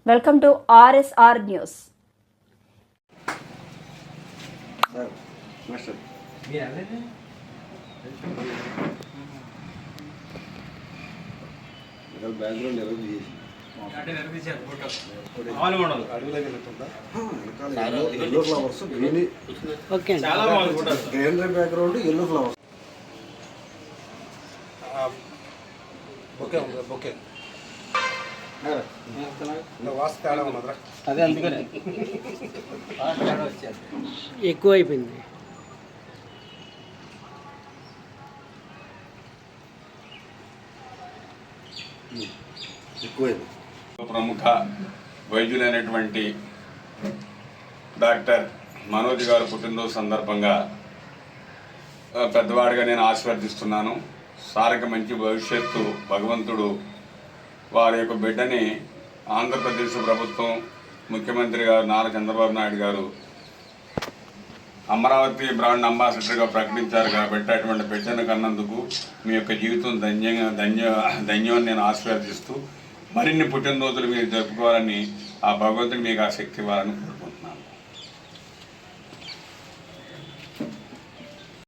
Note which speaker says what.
Speaker 1: Welcome to RSR news.
Speaker 2: Background ఎవరు yellow flowers greenery background yellow flowers
Speaker 3: అదే అందుకనే ఎక్కువ అయిపోయింది.
Speaker 4: ప్రముఖ వైద్యులైనటువంటి డాక్టర్ మనోజ్ గారు పుట్టినరోజు సందర్భంగా పెద్దవాడిగా నేను ఆశీర్వదిస్తున్నాను. సారికి మంచి భవిష్యత్తు భగవంతుడు వారి యొక్క బిడ్డని ఆంధ్రప్రదేశ్ ప్రభుత్వం ముఖ్యమంత్రి గారు నారా చంద్రబాబు నాయుడు గారు అమరావతి బ్రాండ్ అంబాసిడర్గా ప్రకటించారు కాబట్టి అటువంటి బిడ్డను కన్నందుకు మీ యొక్క జీవితం ధన్యం నేను ఆశీర్వదిస్తూ మరిన్ని పుట్టినరోజులు మీరు జరుపుకోవాలని ఆ భగవంతుడు మీకు ఆ శక్తి ఇవ్వాలని